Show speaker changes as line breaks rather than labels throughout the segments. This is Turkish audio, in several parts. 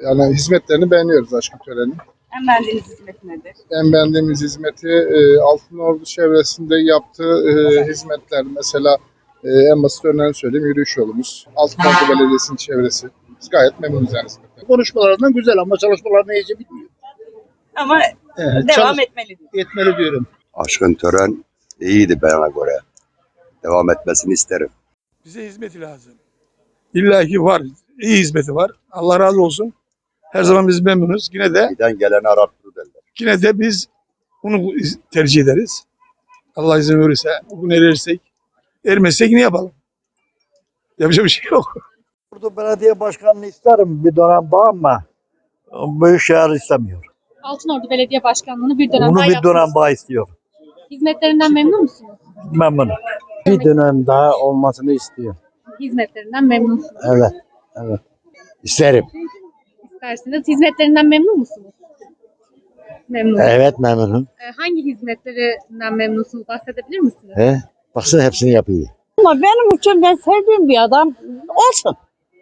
Yani hizmetlerini beğeniyoruz Aşkıntören'in.
En beğendiğiniz hizmet nedir?
En beğendiğimiz hizmeti Altınordu çevresinde yaptığı hizmetler. Mesela en basit örneğini söyleyeyim, yürüyüş yolumuz. Altınordu Belediyesi'nin çevresi. Biz gayet memnunuz yani hizmetten.
Konuşmalarından güzel ama çalışmalarını iyice bitmiyor.
Ama devam etmeli diyor.
Etmeli diyorum.
Aşkıntören iyiydi bana göre. Devam etmesini isterim.
Bize hizmeti lazım. İlla ki var. İyi hizmeti var. Allah razı olsun. Her zaman biz memnunuz.
Giden geleni arattırır derler.
Yine de biz bunu tercih ederiz. Allah izin verirse, bugün erirsek, ermezsek ne yapalım? Yapacak bir şey yok.
Burada belediye başkanını isterim bir dönem daha ama Büyükşehir istemiyor.
Altınordu Belediye Başkanlığı'nı bir dönem
Bunu
daha
bir
yaptınız.
dönem daha istiyor.
Hizmetlerinden memnun musunuz?
Memnunum. Bir dönem daha olmasını istiyor.
Hizmetlerinden memnunsunuz.
Evet. Evet. İsterim.
İsterseniz hizmetlerinden memnun musunuz? Memnun.
Evet memnunum.
Hangi hizmetlerinden memnunsunuz? Bahsedebilir misiniz?
Baksana hepsini yapıyor.
Ama benim için ben sevdiğim bir adam olsun.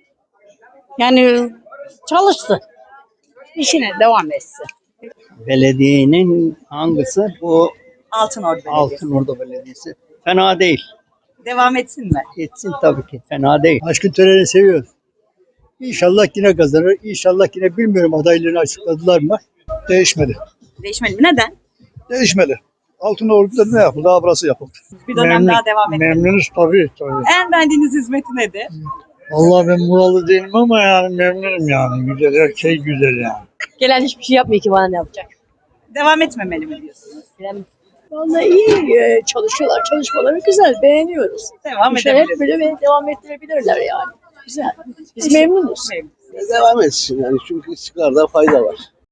Yani çalışsın. İşine devam etsin.
Belediyenin hangisi? Bu
Altınordu Belediyesi.
Altınordu Belediyesi. Fena değil.
Devam etsin mi?
Etsin tabii ki. Fena değil.
Aşkıntören'i seviyoruz. İnşallah yine kazanır. İnşallah yine bilmiyorum adaylığını açıkladılar mı? Değişmedi.
Değişmeli mi? Neden?
Değişmedi. Altınordu'da ne yapıldı? Daha burası yapıldı.
Bir dönem daha devam etmeli.
Memnunuz tabii.
En beğendiğiniz hizmeti nedir?
Vallahi ben buralı değilim ama yani memnunum yani. Güzel, her şey güzel yani.
Gelen hiçbir şey yapmıyor ki bana ne yapacak.
Devam etmemeli mi diyorsunuz?
Vallahi iyi çalışıyorlar. Çalışmaları güzel. Beğeniyoruz.
Devam
Bu şey hep
edebiliriz.
böyle devam ettirebilirler yani. Güzel. Biz memnunuz.
Memnun.
Devam etsin yani çünkü istikrarda fayda var.